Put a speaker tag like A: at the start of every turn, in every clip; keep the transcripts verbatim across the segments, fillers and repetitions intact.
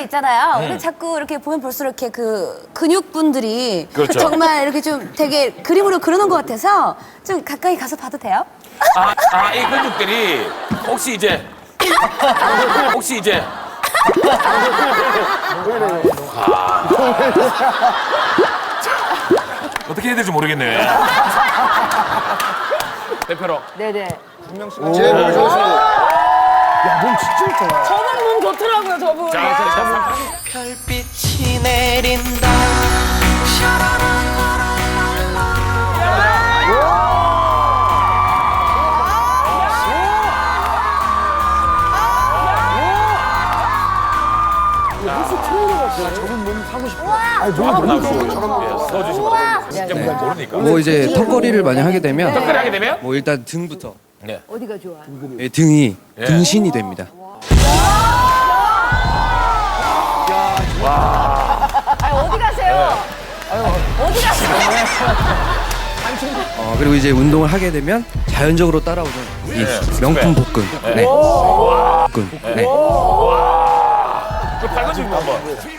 A: 있잖아요.
B: 음.
A: 우리 자꾸 이렇게 보면 볼수록 이렇게 그 근육분들이
B: 그렇죠.
A: 정말 이렇게 좀 되게 그림으로 그려놓은 것 같아서 좀 가까이 가서 봐도 돼요?
B: 아, 아, 이 근육들이 혹시 이제 혹시 이제 아. 어떻게 해야 될지 모르겠네. 대표로.
C: 네네.
D: 제일 몸이 좋으시고. 야, 몸 진짜 좋다.
C: 저분 몸 좋더라고요, 저분.
B: 자, 자, 자,
E: 별빛이 내린다.
D: 저분 몸 사고 싶어. 아니, 몸이
B: 한번
D: 너무
B: 나오시고
D: 좋아.
B: 예, 써주시면 됩니다. 진짜 뭐 모르니까.
F: 뭐 이제 턱걸이를 많이 하게 되면
B: 턱걸이 하게 되면
F: 뭐 일단 등부터
B: 네.
C: 어디가 좋아?
F: 예, 등이
B: 예.
F: 등신이 됩니다.
C: 아, 어디 가세요? 어디 가세요?
F: 어, 그리고 이제 운동을 하게 되면 자연적으로 따라오는 이
B: 네.
F: 명품 복근.
B: 네.
F: 네. 복근. 네.
B: 그 팔건 좀 한번.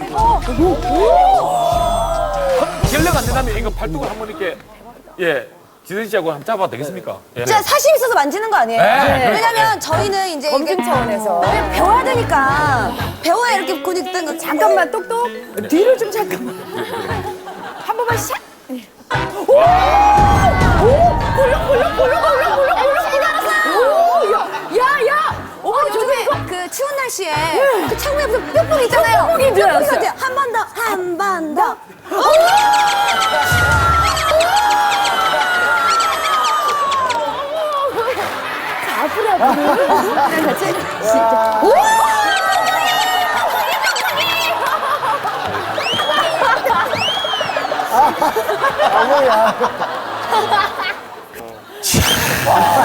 B: 결례가 안 된다면 이거 팔뚝을 한번 이렇게 예 지선 씨하고 한번 잡아도 되겠습니까? 예.
A: 진짜 사심 있어서 만지는 거 아니에요?
B: 네.
A: 왜냐면 저희는 이제
C: 검증
A: 이게
C: 차원에서.
A: 배- 배워야 되니까 배워야 이렇게 근육 뜬 거.
C: 잠깐만, 똑똑. 뒤를 좀 잠깐만. 한 번만 샥. 오! 오! 볼록, 볼록, 볼록, 볼록, 볼록, 볼록. 오! 야, 야, 야!
A: 어, 요즘에 그 추운 날씨에 그 창문에 무슨 뿅뿅 있잖아요.
C: 뿅뿅인 줄 알았어요.
A: 같아요. 한 번 더, 한 번 더.
C: 앞으로, 앞으로. 같이. 진짜. 오!
D: 아,